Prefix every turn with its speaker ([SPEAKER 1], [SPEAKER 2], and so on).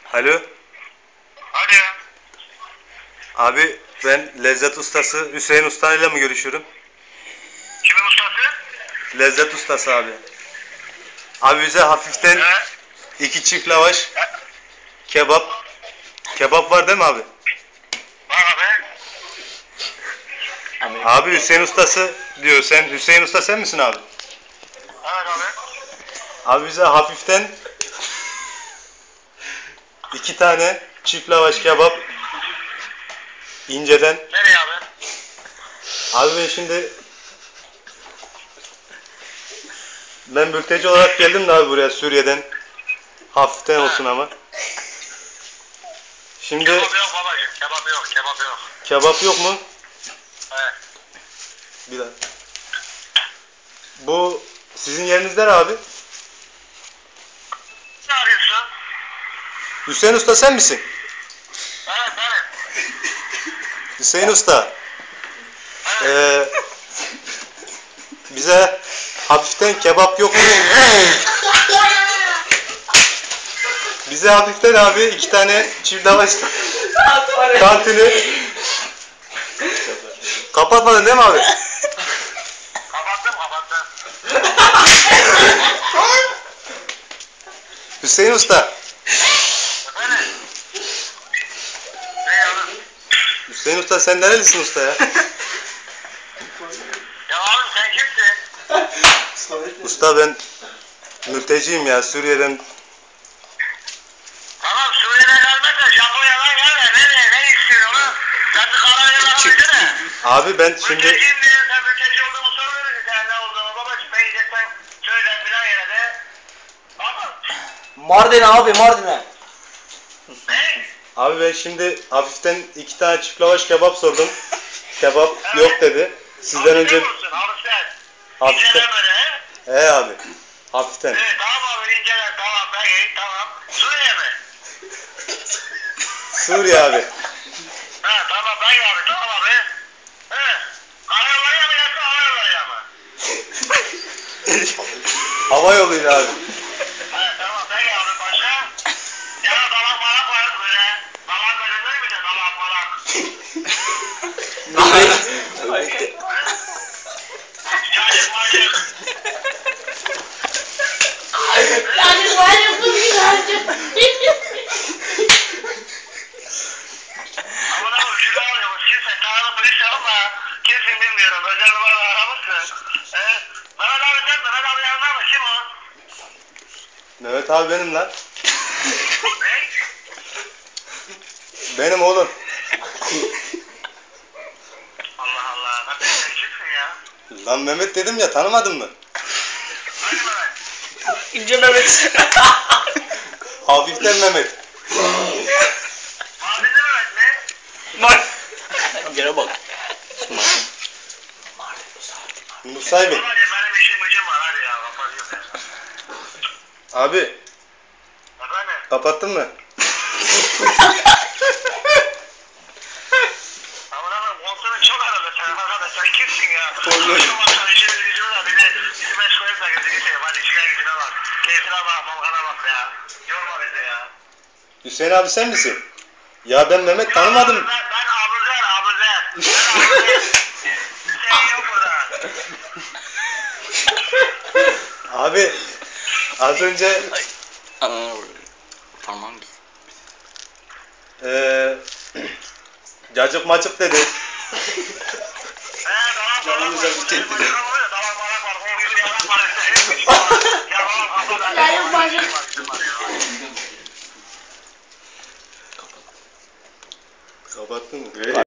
[SPEAKER 1] Alo.
[SPEAKER 2] Alo.
[SPEAKER 1] Abi ben Lezzet Ustası Hüseyin Usta ile mi görüşüyorum?
[SPEAKER 2] Kimin ustası?
[SPEAKER 1] Lezzet Ustası abi. Abi bize hafiften
[SPEAKER 2] He?
[SPEAKER 1] 2 çift lavaş, kebap. Kebap var değil mi abi?
[SPEAKER 2] Var abi.
[SPEAKER 1] Abi Hüseyin Ustası diyor. Sen Hüseyin Usta sen misin abi?
[SPEAKER 2] Evet abi.
[SPEAKER 1] Abi bize hafiften 2 tane çift lavaş kebap inceden.
[SPEAKER 2] Nereye abi?
[SPEAKER 1] Abi ben mülteci olarak geldim de abi buraya Suriye'den. Hafiften olsun ama. Şimdi
[SPEAKER 2] Kebap yok babacığım. Kebap yok. Kebap yok.
[SPEAKER 1] kebap yok mu?
[SPEAKER 2] Evet.
[SPEAKER 1] Bir dakika. Bu sizin yeriniz nere abi?
[SPEAKER 2] Ne arıyorsun?
[SPEAKER 1] Hüseyin Usta sen misin?
[SPEAKER 2] Evet benim.
[SPEAKER 1] Hüseyin Usta.
[SPEAKER 2] Evet.
[SPEAKER 1] Bize hafiften kebap yok mu? Bize hafiften abi 2 tane çift lavaş tantuni. Kapatmadın değil mi abi?
[SPEAKER 2] Kapattım.
[SPEAKER 1] Hüseyin Usta.
[SPEAKER 2] Efendim? Ne abi?
[SPEAKER 1] Hüseyin Usta sen nerelisin usta ya?
[SPEAKER 2] Ya abi sen kimsin?
[SPEAKER 1] Usta ben mülteciyim ya Suriye'den.
[SPEAKER 2] Tamam Suriye'den gelmezse Japonya'dan gelme. Ne istiyorsun onu? Sen bir kararını bana versene.
[SPEAKER 1] Abi ben şimdi
[SPEAKER 2] Mülteciyim diye sen mülteci olduğumu sormuyorsun. Sen ne olduğunu babacığım. Ne yiyeceksen söyle filan yere de. Ama
[SPEAKER 3] Mardin abi Mardin'e.
[SPEAKER 2] ne?
[SPEAKER 1] abi ben şimdi hafiften 2 tane çift lavaş kebap sordum. Kebap yok dedi. Sizden önce
[SPEAKER 2] Hafiften.
[SPEAKER 1] hafiften.
[SPEAKER 2] İncelen böyle he?
[SPEAKER 1] He abi. Hafiften.
[SPEAKER 2] Evet tamam abi incelen tamam peki tamam. Suriye mi?
[SPEAKER 1] Suriye abi.
[SPEAKER 2] Ha tamam peki abi tamam abi. He. Karayollarıya mı yoksa hava yollarıya mı?
[SPEAKER 1] Hava yoluyla abi.
[SPEAKER 2] Ha tamam peki abi başka? Ya dalak malak var böyle. Dalak verilmez mi de dalak malak? Cacık macık.
[SPEAKER 4] Yani var ya bu güzelce.
[SPEAKER 2] Ama da bu şunu arıyor. Kimse tanrı polis ama kimsin bilmiyorum. Özel numarada aramışsın. Mehmet abi sen Mehmet abi yanında mı? Kim o?
[SPEAKER 1] Mehmet abi benim lan.
[SPEAKER 2] Ne?
[SPEAKER 1] Benim oğlum.
[SPEAKER 2] Allah Allah. Lan sen kimsin ya?
[SPEAKER 1] Lan Mehmet dedim ya tanımadın mı?
[SPEAKER 2] Hadi Mehmet.
[SPEAKER 3] İnce Mehmet.
[SPEAKER 1] Hafiften Mehmet.
[SPEAKER 2] Mardinli Mehmet mi?
[SPEAKER 3] Mardin. Gene bak.
[SPEAKER 1] Musay Bey.
[SPEAKER 2] Babacım benim işim gücüm var hadi ya. Kapatıyorum ya.
[SPEAKER 1] Abi
[SPEAKER 2] Efendim?
[SPEAKER 1] kapattın mı?
[SPEAKER 2] Ama lan kontrolü çok aradı sen. Arkadaş sen kimsin ya?
[SPEAKER 1] Kontrol.
[SPEAKER 2] Şu baksan işimiz gücümüz var. Bizi meşgul etme. Gözünü seveyim. Hadi işine gücüne bak. Keyfine bak. Malkana bak ya. Yorma bizi ya.
[SPEAKER 1] Hüseyin abi sen misin? Ya ben Mehmet tanımadım.
[SPEAKER 2] Ben Abuzer. Ben Abuzer. Sen yok burada.
[SPEAKER 1] Abi az önce
[SPEAKER 3] Ananı vuruyor. Parmağım gitti.
[SPEAKER 1] cacık macık dedi.
[SPEAKER 2] Canımıza bitirdi. Dalak malak var. O gibi yalan var. Hepsi var. Yalan kafa.
[SPEAKER 4] Yani bacım.
[SPEAKER 1] Kapattın mı?